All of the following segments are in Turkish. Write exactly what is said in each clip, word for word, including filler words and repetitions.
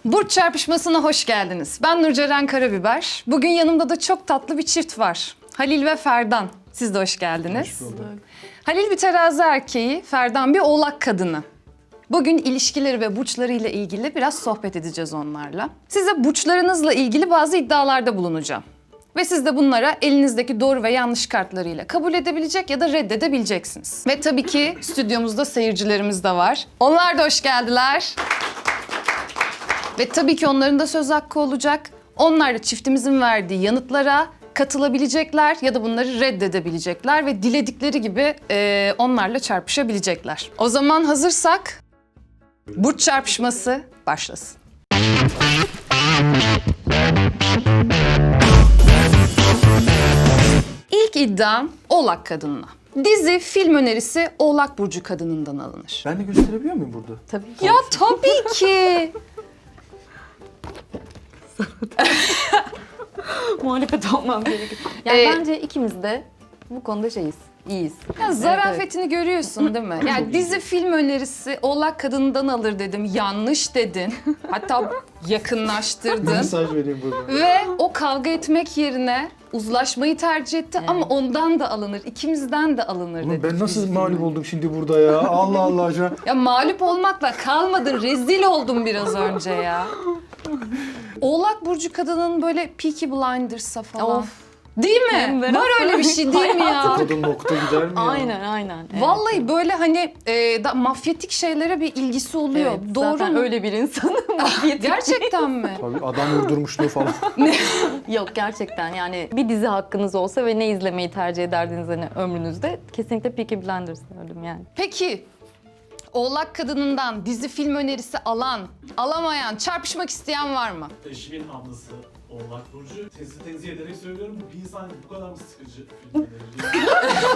Burç çarpışmasına hoş geldiniz. Ben Nurceren Karabiber. Bugün yanımda da çok tatlı bir çift var. Halil ve Ferdan. Siz de hoş geldiniz. Hoş bulduk. Halil bir terazi erkeği, Ferdan bir oğlak kadını. Bugün ilişkileri ve burçlarıyla ilgili biraz sohbet edeceğiz onlarla. Size burçlarınızla ilgili bazı iddialarda bulunacağım. Ve siz de bunlara elinizdeki doğru ve yanlış kartlarıyla kabul edebilecek ya da reddedebileceksiniz. Ve tabii ki stüdyomuzda seyircilerimiz de var. Onlar da hoş geldiler. Ve tabii ki onların da söz hakkı olacak. Onlar da çiftimizin verdiği yanıtlara katılabilecekler ya da bunları reddedebilecekler ve diledikleri gibi e, onlarla çarpışabilecekler. O zaman hazırsak burç çarpışması başlasın. İlk iddiam Oğlak kadınına. Dizi, film önerisi Oğlak Burcu kadınından alınır. Ben de gösterebiliyor muyum burada? Tabii ki. Ya tabii ki. Muhalefet olmam gerekiyor. Yani Ee, bence ikimiz de bu konuda şeyiz, iyiyiz. Ya zarafetini görüyorsun değil mi? Yani dizi, film önerisi Oğlak kadından alır dedim. Yanlış dedin. Hatta yakınlaştırdın. Mesaj vereyim burada. Ve o kavga etmek yerine uzlaşmayı tercih etti ama ondan da alınır, ikimizden de alınır Oğlum dedi. ben nasıl mağlup oldum şimdi burada ya? Allah Allah şu an. Ya mağlup olmakla kalmadın, rezil oldum biraz önce ya. Oğlak Burcu kadının böyle Peaky Blinders'a falan. Of. Değil mi? Hem de Var öyle bir şey değil mi ya? Kadın nokta gider mi ya? Aynen, aynen. Evet. Vallahi böyle hani e, da, mafyatik şeylere bir ilgisi oluyor. Evet, Doğru zaten mu? öyle bir insanım. Mafyatik. Gerçekten mi? Tabii adam vurdurmuşluğu falan. Yok gerçekten yani bir dizi hakkınız olsa ve ne izlemeyi tercih ederdiniz hani ömrünüzde kesinlikle Peaky Blinders derdim yani. Peki Oğlak kadınından dizi film önerisi alan, alamayan, çarpışmak isteyen var mı? Eşimin ablası Oğlak Burcu. Sizi tenzih ederek söylüyorum, bir insan bu kadar mı sıkıcı film önerir?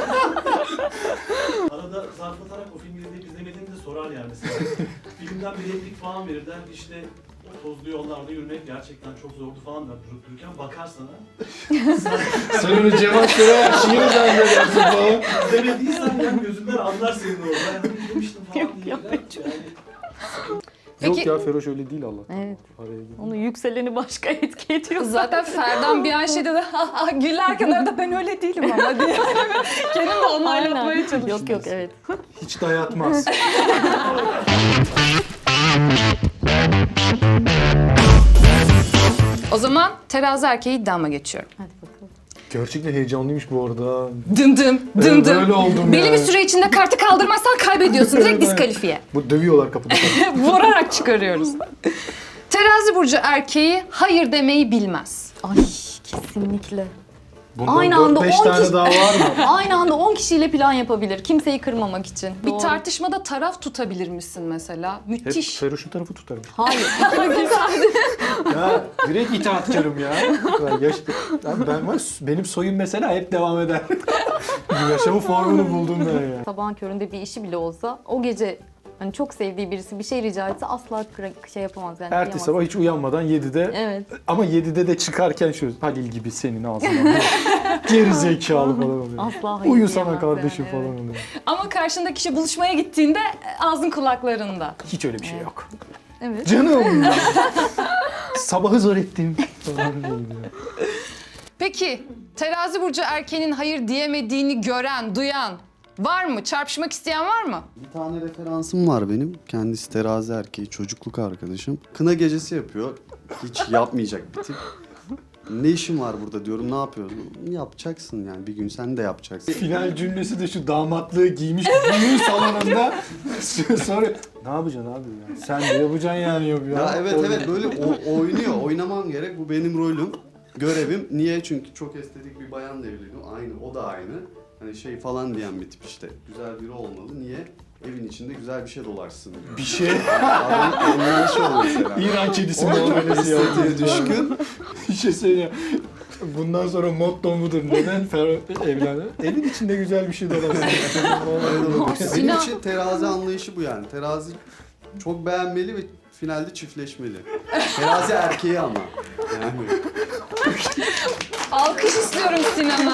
Arada zarflatarak o filmi izleyip izlemediğimi de sorar yani mesela. Filmden bir replik falan verir, der ki işte o tozlu yollarda yürümek gerçekten çok zordu falan der durup dururken bakar sana. Sen öyle cevap veren şiir zannedersin falan. İzlemediysen yani gözünden anlar senin orada. Yani izlemiştim falan diye. Yok, gider. Yani Peki- Yok ya Feroş öyle değil Allah. Evet. Araya girdim. Onun yükseleni başka etki ediyor. Zaten Ferdan bir an şey dedi, ha ha gülerken arada ben öyle değilim ama diye. Kendim de onaylatmaya çalıştım. Yok yok evet. Hiç dayatmaz. O zaman terazi erkeği iddiama geçiyorum. Hadi bakalım. Gerçekten heyecanlıymış bu arada. Dım dım, dım Evet, dım. böyle oldum Belli yani. bir süre içinde kartı kaldırmazsan kaybediyorsun. Direkt Evet, diskalifiye. Bu dövüyorlar kapıda. Vurarak çıkarıyoruz. Terazi burcu erkeği hayır demeyi bilmez. Ay kesinlikle. Bundan Aynı dört anda beş on tane kişi- daha var mı? Aynı anda on kişiyle plan yapabilir. Kimseyi kırmamak için. Bir Doğru. tartışmada taraf tutabilir misin mesela? Hep Müthiş. Feroş'un tarafı tutarım. Hayır. Ya direkt itaatkarım ya. Ya yaş- ya ben var, benim soyum mesela hep devam eder. Yaşamın formunu buldum ben ya. Sabahın köründe bir işi bile olsa o gece hani çok sevdiği birisi bir şey rica etse asla kıra- şey yapamaz yani. Ertesi kıyamaz. sabah hiç uyanmadan yedide Evet. ama yedide de çıkarken şu Halil gibi senin ağzına. Geri zekalı falan oluyor. Asla hayır Uyusana diyemez kardeşim yani, falan evet. oluyor. Ama karşındaki kişi buluşmaya gittiğinde ağzın kulaklarında. Hiç öyle bir şey yok. Evet. Canım. Sabahı zor ettim. Falan diyor ya. Peki terazi burcu erkeğinin hayır diyemediğini gören, duyan var mı? Çarpışmak isteyen var mı? Bir tane referansım var benim. Kendisi terazi erkeği, çocukluk arkadaşım. Kına gecesi yapıyor. Hiç yapmayacak bir tip. Ne işin var burada diyorum, ne yapıyorsun? Yapacaksın yani, bir gün sen de yapacaksın. Final cümlesi de şu damatlığı giymiş düğün salonunda sonra ne yapacaksın abi ya? Sen de yapacaksın yani yok ya. Ya evet evet böyle o- oynuyor, oynamam gerek. Bu benim rolüm, görevim. Niye? Çünkü çok estetik bir bayanla evleniyorum. Aynı, o da aynı. Hani şey falan diyen bir tip işte. Güzel biri olmalı. Niye? Evin içinde güzel bir şey dolaşsın diyor. Bir şey Adam anlayışı o mesela. İran kedisi O çok muamelesi estetiğe yapıyor. düşkün. Bir şey söyleyeyim. Bundan sonra motto budur. Neden Fer evlendi? Evin içinde güzel bir şey dolaşsın. Benim Sinan- için terazi anlayışı bu yani. Terazi çok beğenmeli ve finalde çiftleşmeli. Terazi erkeği ama. Yani. Alkış istiyorum Sinan'a.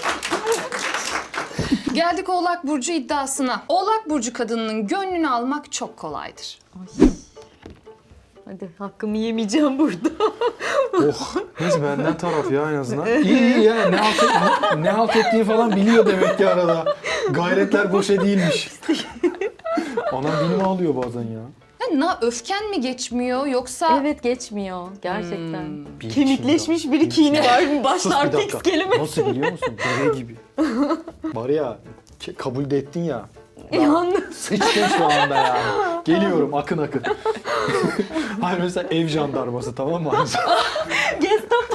Geldik Oğlak Burcu iddiasına. Oğlak Burcu kadınının gönlünü almak çok kolaydır. Ay. Hadi hakkımı yemeyeceğim burada. Oh, neyse benden taraf ya en azından. İyi iyi ya, ne halt, et, ne halt ettiğini falan biliyor demek ki arada. Gayretler boşa değilmiş. Anam benim ağlıyor bazen ya. Ya, na öfken mi geçmiyor yoksa... Evet geçmiyor gerçekten. Hmm. Bir Kemikleşmiş kilo. bir kini var Sus başlar bir fix dakika. kelime. Nasıl biliyor musun? Deve gibi. Var ya, ke- kabul de ettin ya. Yalnız. Sıçtın şu anda ya. Geliyorum akın akın. Hayır mesela ev jandarması, tamam mı? Gestapo.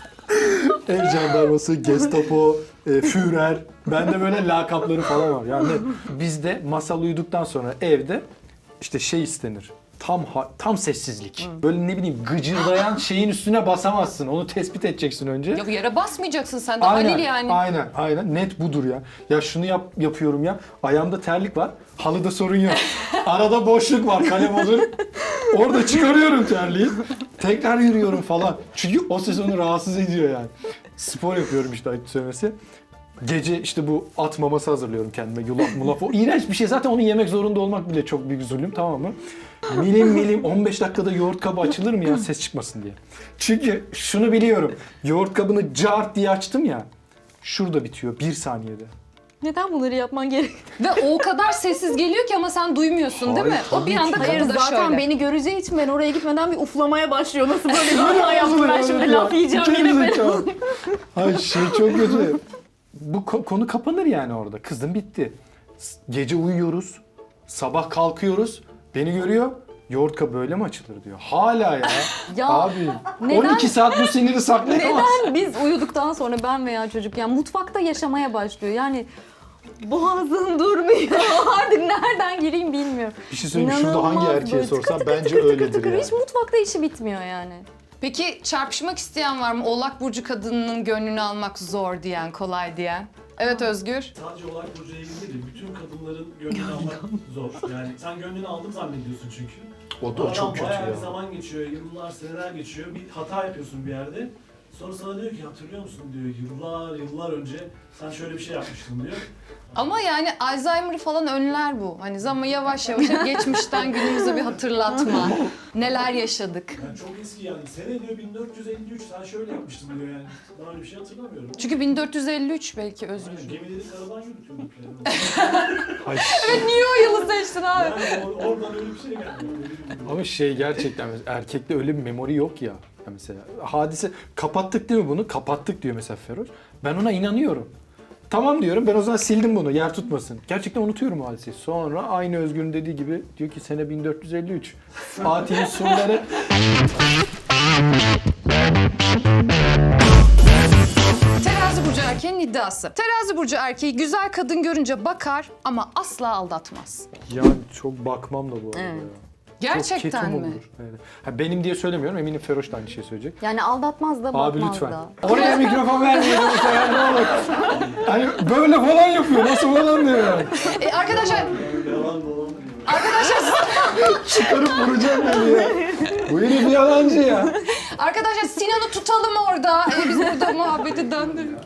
Ev jandarması, Gestapo, e, Führer. Bende böyle lakapları falan var. Yani bizde masal uyuduktan sonra evde işte şey istenir. Tam ha- tam sessizlik. Böyle ne bileyim gıcırdayan şeyin üstüne basamazsın. Onu tespit edeceksin önce. Ya yere basmayacaksın sen de Aynen, Halil yani. aynen, aynen. Net budur ya. Ya şunu yap, yapıyorum ya. Ayağımda terlik var. Halıda sorun yok. Arada boşluk var, kalem olur. Orada çıkarıyorum terliği. Tekrar yürüyorum falan. Çünkü o ses onu rahatsız ediyor yani. Spor yapıyorum işte ayıp söylemesi. Gece işte bu at maması hazırlıyorum kendime. Yulaf mulaf. O iğrenç bir şey. Zaten onu yemek zorunda olmak bile çok büyük zulüm, tamam mı? Milim milim on beş dakikada yoğurt kabı açılır mı ya ses çıkmasın diye. Çünkü şunu biliyorum. Yoğurt kabını cart diye açtım ya. Şurada bitiyor bir saniyede. Neden bunları yapman gerek? Ve o kadar sessiz geliyor ki ama sen duymuyorsun değil mi? Hayır, O bir tabii anda ki. Hayır kapıda zaten şöyle. beni göreceği için ben oraya gitmeden bir uflamaya başlıyor. Nasıl böyle bir hata yaptım ben şimdi laf yiyeceğim yine ben. Hayır şey çok kötü. Bu ko- konu kapanır yani orada. Kızım bitti. S- Gece uyuyoruz. Sabah kalkıyoruz. Beni görüyor. Yoğurt kabı böyle mi açılır diyor. Hala ya. Ya, Abi neden- on iki saat bu siniri saklayamaz. Neden biz uyuduktan sonra ben veya çocuk yani mutfakta yaşamaya başlıyor. Yani boğazım durmuyor. Artık nereden gireyim bilmiyorum. Bir şey söyleyeyim, şurada hangi İnanılmaz erkeğe böyle sorsan tıkır tıkır bence tıkır tıkır öyledir tıkır. yani. Hiç mutfakta işi bitmiyor yani. Peki çarpışmak isteyen var mı? Oğlak burcu kadınının gönlünü almak zor diyen, kolay diyen. Evet Özgür. Sadece Oğlak Burcu'ya ilgili değil, bütün kadınların gönlünü almak zor. Yani sen gönlünü aldım zannediyorsun çünkü. O da o Aradan çok kötü bayağı ya. bir zaman geçiyor, yıllar, seneler geçiyor. Bir hata yapıyorsun bir yerde. Sonra sana diyor ki hatırlıyor musun diyor, yıllar yıllar önce sen şöyle bir şey yapmıştın diyor. Ama yani Alzheimer'ı falan önler bu. Hani zaman yavaş yavaş hep geçmişten günümüze bir hatırlatma. Neler yaşadık. Yani çok eski yani. Sene diyor bin dört yüz elli üç sen şöyle yapmıştın diyor yani. Daha öyle bir şey hatırlamıyorum. Çünkü bin dört yüz elli üç belki Yani Özgür. gemileri karadan yürütüyorduk yani. Ay, Niye o yılı seçtin abi? Yani or- oradan öyle bir şey geldi. Öyle bir- ama şey gerçekten mesela erkekte öyle bir memori yok ya. Ya mesela hadise kapattık değil mi bunu? Kapattık diyor mesela Feroz. Ben ona inanıyorum. Tamam diyorum, ben o zaman sildim bunu yer tutmasın. Gerçekten unutuyorum o hadiseyi. Sonra aynı Özgür'ün dediği gibi diyor ki sene bin dört yüz elli üç. Fatih'in surları... Terazi burcu erkeğin iddiası. Terazi burcu erkeği güzel kadın görünce bakar ama asla aldatmaz. Yani çok bakmam da bu arada Evet. ya. Gerçekten çok ketum mi? olur. Evet. Ha, benim diye söylemiyorum, eminim Feroş da aynı şeyi söyleyecek. Yani aldatmaz da bakmaz Abi lütfen. da. Oraya mikrofon vermeyelim bu sefer, ne olur. Hani böyle falan yapıyor, nasıl falan diyor yani. E, arkadaşlar Yalan dolan diyor. Çıkarıp vuracağım beni ya. Bu herif yalancı ya. Arkadaşlar Sinan'ı tutalım orada. Ee, biz burada muhabbeti döndürüyoruz.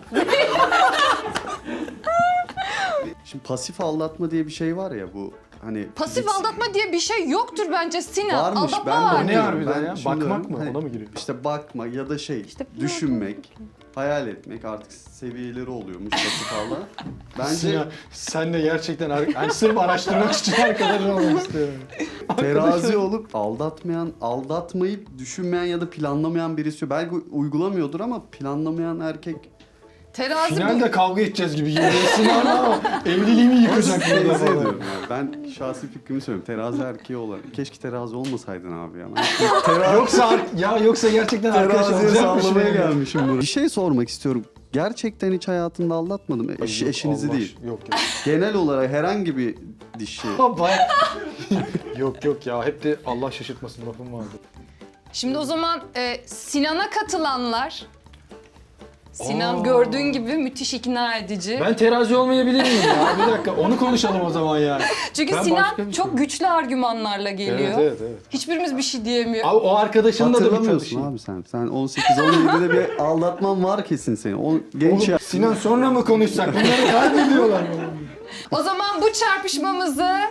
Şimdi pasif aldatma diye bir şey var ya bu hani... Pasif biz- aldatma diye bir şey yoktur bence Sinan. Varmış, Aldatma ben de var. O ne biliyorum. harbiden Ben ya? şunu Bakmak diyorum, mı? hani Ona mı giriyor? İşte bakma ya da şey, İşte düşünmek, hayal etmek artık seviyeleri oluyormuş pasif aldatma. Bence Sinan, sen de gerçekten ar- yani sırf araştırmak için arkadaş olmak istiyorum. terazi olup aldatmayan, aldatmayıp düşünmeyen ya da planlamayan birisi. Belki uygulamıyordur ama planlamayan erkek Terazi bu. Finalde kavga edeceğiz gibi geliyor. Sinan ama evliliğimi yıkacak burada teyze falan. ediyorum yani. Ben şahsi fikrimi söylüyorum. Terazi erkeği olarak. Keşke terazi olmasaydın abi ya. Ben Yoksa ar- ya yoksa gerçekten arkadaş teraziye olacakmış sallamaya benim. gelmişim bunu. Bir şey sormak istiyorum. Gerçekten hiç hayatında aldatmadım. Eş, Yok, eşinizi Allah değil. aşkına, Yok yok. Genel olarak herhangi bir dişi. Baya- yok yok ya, hep de Allah şaşırtmasın lafım vardı. Şimdi o zaman e, Sinan'a katılanlar. Sinan Aa. gördüğün gibi müthiş ikna edici. Ben terazi olmayabilir miyim ya? Bir dakika, onu konuşalım o zaman yani. Çünkü Ben Sinan başka bir şey- çok güçlü argümanlarla geliyor. Evet evet evet. Hiçbirimiz bir şey diyemiyor. Abi o arkadaşınla da bir Hatırlamıyorsun tanışayım. abi sen. Sen on sekiz on yedide bir aldatman var kesin senin. O genç Oğlum, ya. Sinan sonra mı konuşsak? Bunları kaybediyorlar. O zaman bu çarpışmamızı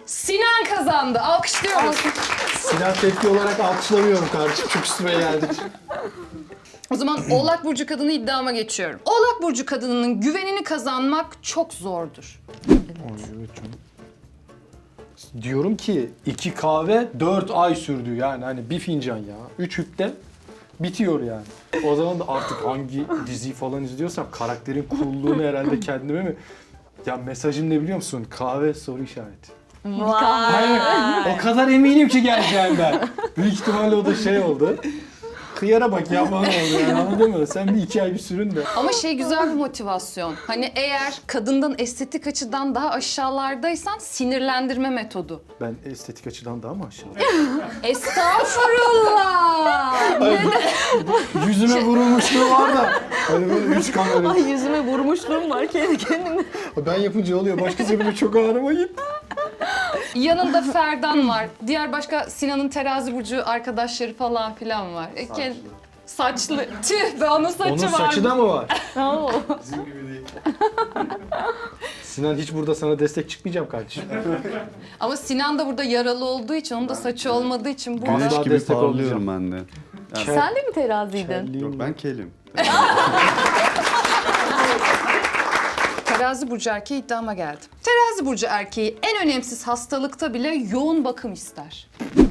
Sinan kazandı. Alkışlıyoruz. Sinan tepki olarak alkışlamıyorum kardeşim. Çok üstüme geldik. O zaman Oğlak Burcu kadını iddiama geçiyorum. Oğlak Burcu kadınının güvenini kazanmak çok zordur. Evet canım. Diyorum ki iki kahve dört ay sürdü yani hani bir fincan ya. Üç hüpte bitiyor yani. O zaman da artık hangi diziyi falan izliyorsam karakterin coolluğunu herhalde kendime mi? Ya mesajım ne biliyor musun? Kahve soru işareti. Hayır, o kadar eminim ki geleceğimden. Büyük ihtimalle o da şey oldu. Kıyara bak ya falan oldu yani anladın mı? Sen bir iki ay bir sürün de. Ama şey güzel bir motivasyon. Hani eğer kadından estetik açıdan daha aşağılardaysan sinirlendirme metodu. Ben estetik açıdan daha mı aşağı? Estağfurullah. Yüzüme vurulmuşluğu var da. Hani böyle üç kamera. Ay yüzüme vurmuşluğum var kendi kendime. Ben yapınca oluyor. Başkası bile çok ağrıma gitti. Yanında Ferdan var. Diğer başka Sinan'ın terazi burcu arkadaşları falan filan var. E, kend- Saçlı. Tüh be onun saçı Onun var. saçı da mı var? Oo. Bizim gibi değil. Sinan hiç burada sana destek çıkmayacağım kardeşim. Ama Sinan da burada yaralı olduğu için, onun da saçı olmadığı için burada. Güneş Güneş gibi gibi parlıyorum parlıyorum ben de. Yani, Sen de mi teraziydin? yok ben kelim. Terazi burcu erkeği iddiama geldi. Terazi burcu erkeği en önemsiz hastalıkta bile yoğun bakım ister.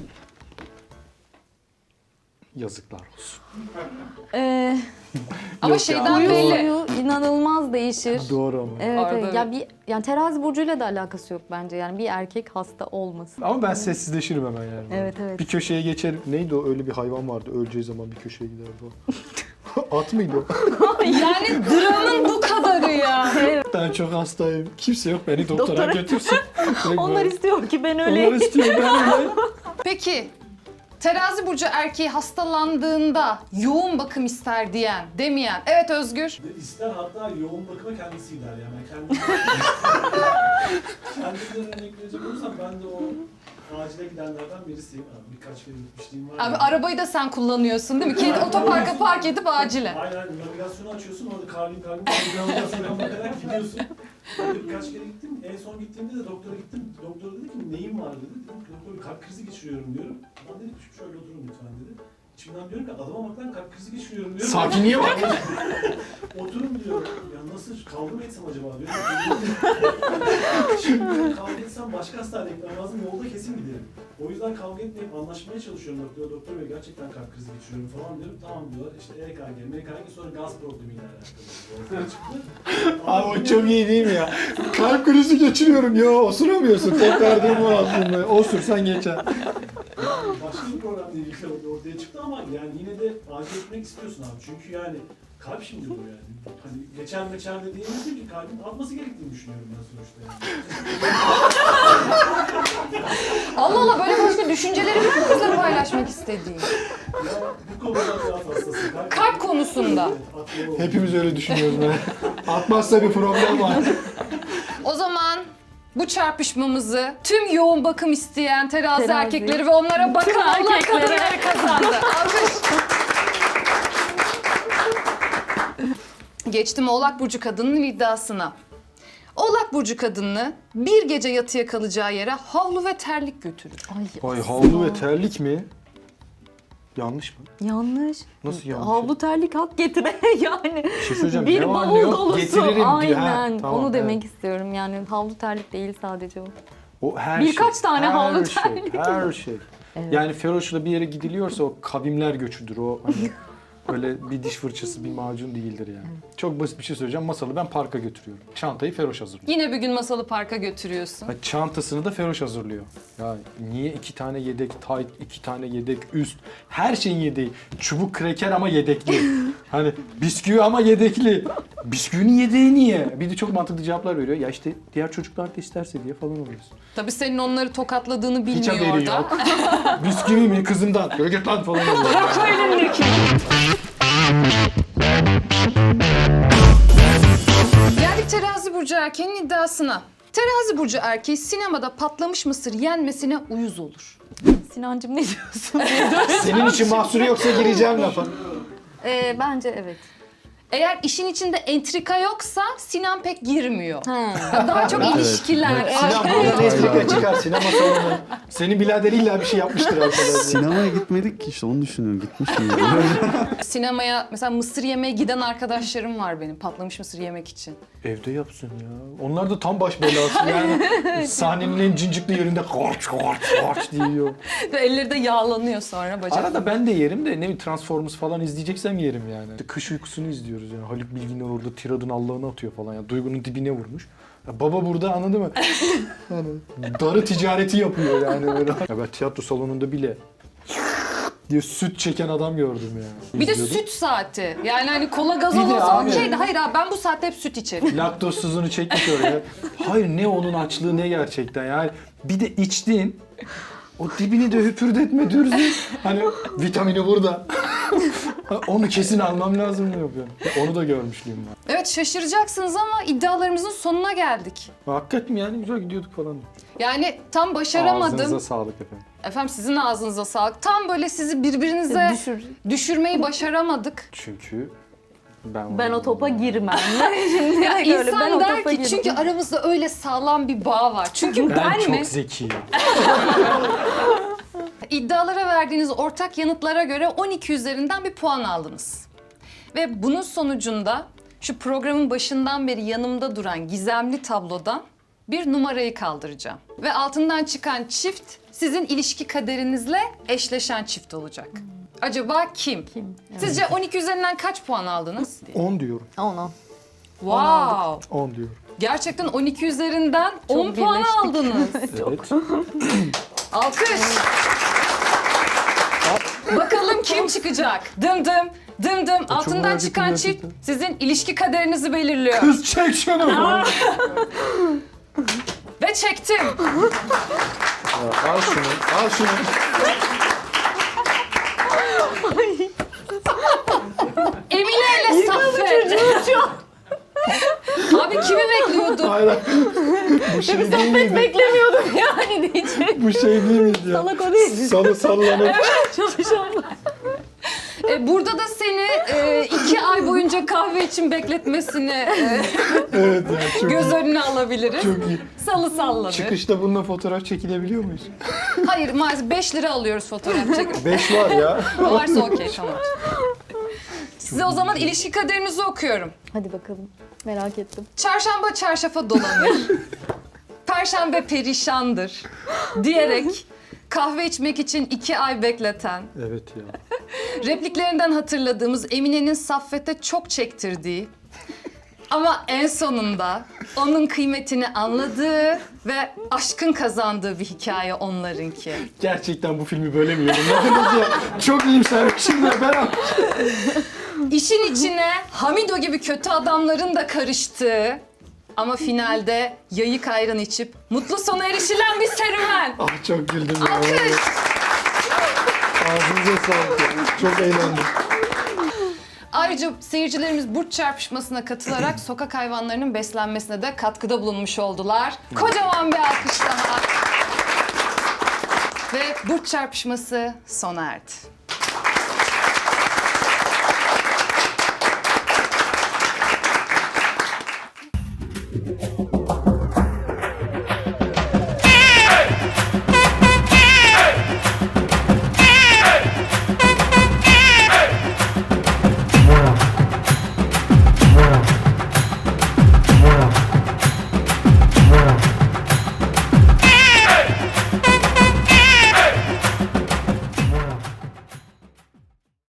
Yazıklar olsun. Ee, Ama Yok ya, şeyden doğru. belli. huyu inanılmaz değişir. Doğru ama. Evet, Arada evet. evet. Ya bir yani terazi burcuyla da alakası yok bence. Yani bir erkek hasta olmasın. Ama ben sessizleşirim hemen yani. Evet, evet. Bir köşeye geçerim. Neydi o? Öyle bir hayvan vardı. Öleceği zaman bir köşeye giderdi o. At mıydı o? Yani dramın bu kadarı ya. Ben çok hastayım. Kimse yok beni doktora, Doktora- götürsün. Direkt Onlar böyle. istiyor ki ben Onlar öleyim. istiyor ben öyle. Peki terazi burcu erkeği hastalandığında yoğun bakım ister diyen, demeyen. Evet Özgür. Ve ister hatta yoğun bakıma kendisi gider yani. Kendi... Kendimden örnek verecek olursam ben de o acile gidenlerden birisiyim. Abi, birkaç kere gitmişliğim var. Abi yani. arabayı da sen kullanıyorsun değil mi? Kendi otoparka park edip acile. Aynen navigasyonu açıyorsun orada karvin karvin navigasyona bakarak gidiyorsun. Böyle birkaç kere gittim. En son gittiğimde de doktora gittim. Doktor dedi ki neyim var dedi. Dedim ki doktor bir kalp krizi geçiriyorum diyorum. Adam dedi ki şöyle oturun lütfen dedi. İçimden diyorum ki adama bak lan kalp krizi geçiriyorum diyorum. Sakinliğe bak. Oturun diyor. Ya nasıl kavga mı etsem acaba diyorum. Şimdi diyorum, kavga etsem başka hastaneye gitmem lazım. Yolda kesin giderim. O yüzden kavga etmeyip anlaşmaya çalışıyorum doktor. Doktor bey gerçekten kalp krizi geçiriyorum falan diyorum. Tamam diyorlar. İşte E K G, M K G sonra gaz problemiyle alakalı. Ortaya çıktı. Abi o çok iyi değil mi ya? Kalp krizi geçiriyorum. Yo osuramıyorsun. Tekrar durma aslında. Osursan geçer. Yani başka bir problem değil ortaya çıktı ama yani yine de acil etmek istiyorsun abi. Çünkü yani kalp şimdi bu yani. Hani geçer meçer de diyemezsin ki kalbin atması gerektiğini düşünüyorum ben sonuçta yani. Allah Allah böyle başka düşünceleri var mı bizle paylaşmak istediğin? Ya bu konuda biraz hassasım. Kalp konusunda. Evet, aklıma oldu. Hepimiz öyle düşünüyoruz be. Atmazsa bir problem var. O zaman bu çarpışmamızı tüm yoğun bakım isteyen terazi, Terazi. erkekleri ve onlara bakan Tüm Allah erkeklere. kadınları kazandı. Alkış. Geçtim Oğlak Burcu kadının iddiasına. Oğlak Burcu kadını bir gece yatıya kalacağı yere havlu ve terlik götürür. Ay, Ay havlu ve terlik mi? Yanlış mı? yanlış. Nasıl yanlış? Havlu terlik hak getire yani. Bir şey söyleyeceğim. Bir ne var ne bavul yok dolusu. getiririm diyor. Ha, Aynen. tamam, Onu evet. demek istiyorum. Yani havlu terlik değil sadece o. O her Birkaç şey, tane her havlu şey, terlik. Her şey. Evet. Yani Feroş'la bir yere gidiliyorsa o kavimler göçüdür. O hani öyle bir diş fırçası, bir macun değildir yani. Çok basit bir şey söyleyeceğim. Masalı ben parka götürüyorum. Çantayı Feroş hazırlıyor. Yine bir gün Masalı Park'a götürüyorsun. Ha, çantasını da Feroş hazırlıyor. Ya niye iki tane yedek tight, iki tane yedek üst, her şeyin yedeği. Çubuk kreker ama yedekli. Hani bisküvi ama yedekli. Bisküvinin yedeği niye? Bir de çok mantıklı cevaplar veriyor. Ya işte diğer çocuklar da isterse diye falan oluyorsun. Tabii senin onları tokatladığını Hiç bilmiyor haberi orada. yok. Bisküvi mi kızımdan? Böyle git lan falan oluyor. Geldik Terazi Burcu erkeğinin iddiasına. Terazi Burcu erkeği sinemada patlamış mısır yenmesine uyuz olur. Sinancığım ne diyorsun? Senin için mahsuru yoksa gireceğim lafa. Ee, bence evet. Eğer işin içinde entrika yoksa Sinan pek girmiyor. Ha. Daha çok Evet. ilişkiler. Sinan buradan entrika çıkar sinema salonu. Senin birader illa bir şey yapmıştır arkadaşlar. Sinemaya gitmedik ki işte onu düşünüyorum. Gitmiş miyim? Sinemaya mesela mısır yemeye giden arkadaşlarım var benim. Patlamış mısır yemek için. Evde yapsın ya. Onlar da tam baş belası yani. Sahnenin en cincikli yerinde korç korç korç diyor. Ve elleri de yağlanıyor sonra bacak. Arada ben de yerim de ne bileyim Transformers falan izleyeceksem yerim yani. İşte Kış Uykusu'nu izliyoruz yani. Haluk Bilginer orada tiradın Allah'ını atıyor falan ya. Duygu'nun dibine vurmuş. Ya baba burada anladın mı? Yani darı ticareti yapıyor yani böyle. Ya ben tiyatro salonunda bile diye süt çeken adam gördüm yani. Bir de İzliyordum. süt saati. Yani hani kola Bir gazoz de olsa abi- okeydi. Hayır abi ben bu saatte hep süt içerim. Laktozsuzunu çekmiş oraya. Hayır ne onun açlığı ne gerçekten yani. Bir de içtin. O dibini de hüpürdetme Dürzi. Hani vitamini burada. Onu kesin almam lazım diyor. Yani. Onu da görmüşlüğüm var. Evet şaşıracaksınız ama iddialarımızın sonuna geldik. Hakikaten yani güzel gidiyorduk falan. Yani tam başaramadım. Ağzınıza sağlık efendim. Efendim sizin ağzınıza sağlık. Tam böyle sizi birbirinize Düşür. düşürmeyi başaramadık. Çünkü ben Ben o topa girmem. Şimdi Ya öyle, ben insan o der topa ki girmem. çünkü aramızda öyle sağlam bir bağ var. Çünkü ben, ben çok mi? zekiyim. İddialara verdiğiniz ortak yanıtlara göre on iki üzerinden bir puan aldınız. Ve bunun sonucunda şu programın başından beri yanımda duran gizemli tablodan bir numarayı kaldıracağım. Ve altından çıkan çift sizin ilişki kaderinizle eşleşen çift olacak. Acaba kim? Kim? Sizce on iki üzerinden kaç puan aldınız? on diyorum. Onu. Wow! on diyorum. Gerçekten on iki üzerinden on puan birleştik. aldınız. Evet. Alkış. Bakalım kim çıkacak? Dım dım, dım dım. Altından merak çıkan ettim çift gerçekten. sizin ilişki kaderinizi belirliyor. Kız çek şunu. Ve çektim. Ya, al şunu, al şunu. Emine ile Saffet. Abi kimi bekliyordun? Hayır. Bu şey değil miydi? Beklemiyordum yani diyecek. Bu şey değil miydi ya? Salak o değil. Salı sallanıp. Çalışanlar. E, burada da seni e, iki ay boyunca kahve için bekletmesini e, Evet ya çok göz iyi. önüne alabiliriz. Çok iyi. Salı sallanır. Çıkışta bununla fotoğraf çekilebiliyor muyuz? Hayır maalesef beş lira alıyoruz fotoğraf çekip. beş var ya. Varsa okey tamam. Size o zaman ilişki kaderinizi okuyorum. Hadi bakalım. Merak ettim. Çarşamba çarşafa dolanır. Perşembe perişandır. Diyerek kahve içmek için iki ay bekleten, Evet ya. repliklerinden hatırladığımız Emine'nin Saffet'e çok çektirdiği ama en sonunda onun kıymetini anladığı ve aşkın kazandığı bir hikaye onlarınki. Gerçekten bu filmi böyle mi yorumladınız ya? Çok iyimsermişim ya ben. İşin içine Hamido gibi kötü adamların da karıştığı ama finalde yayık ayran içip mutlu sona erişilen bir serüven. Ah çok güldüm ya. Alkış. Ağzınıza sağlık ya. Çok eğlendim. Ayrıca seyircilerimiz burç çarpışmasına katılarak sokak hayvanlarının beslenmesine de katkıda bulunmuş oldular. Kocaman bir alkış daha. Ve burç çarpışması sona erdi.